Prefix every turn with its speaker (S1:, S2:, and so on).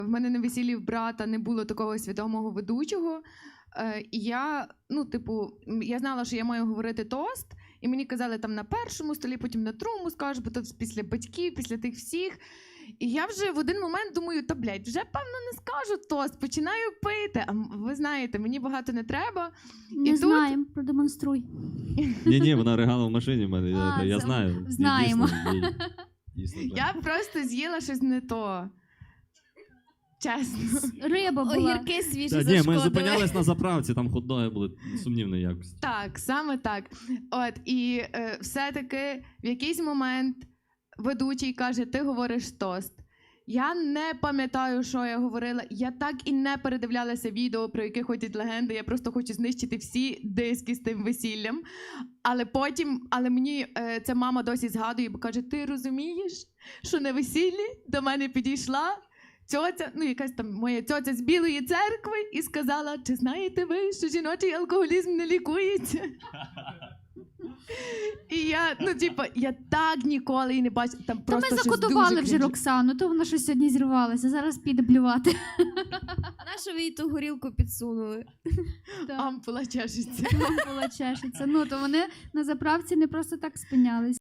S1: В мене на весіллі в брата не було такого свідомого ведучого. І я, я знала, що я маю говорити тост, і мені казали там на першому столі, потім на другому скажу, бо то після батьків, після тих всіх. І я вже в один момент думаю, вже певно не скажу тост, починаю пити. А ви знаєте, мені багато не треба.
S2: Не знаємо, продемонструй.
S3: Ні, вона ригала в машині в мене, я знаю.
S2: Знаємо.
S3: Дійсно,
S1: я просто з'їла щось не то. Чесно.
S2: Риба була.
S4: Огірки свіжі
S3: Ні, ми
S4: зашкодили.
S3: зупинялись на заправці, там хот-доги були сумнівної якості.
S1: Так, саме так. І все-таки в якийсь момент ведучий каже, ти говориш тост. Я не пам'ятаю, що я говорила. Я так і не передивлялася відео, про яке ходять легенди. Я просто хочу знищити всі диски з тим весіллям. Але мені ця мама досі згадує, бо каже, ти розумієш, що на весіллі до мене підійшла тьотя, якась там моя тьотя з Білої церкви і сказала, чи знаєте ви, що жіночий алкоголізм не лікується? І я так ніколи і не бачила. Там просто
S2: ми
S1: щось
S2: закодували
S1: дуже
S2: вже Роксану, то вона щось сьогодні зірвалася, зараз піде блювати.
S4: Нашу ви їй ту горілку підсунули.
S1: Ампула чешеться.
S2: Ампула чешеться. То вони на заправці не просто так спинялись.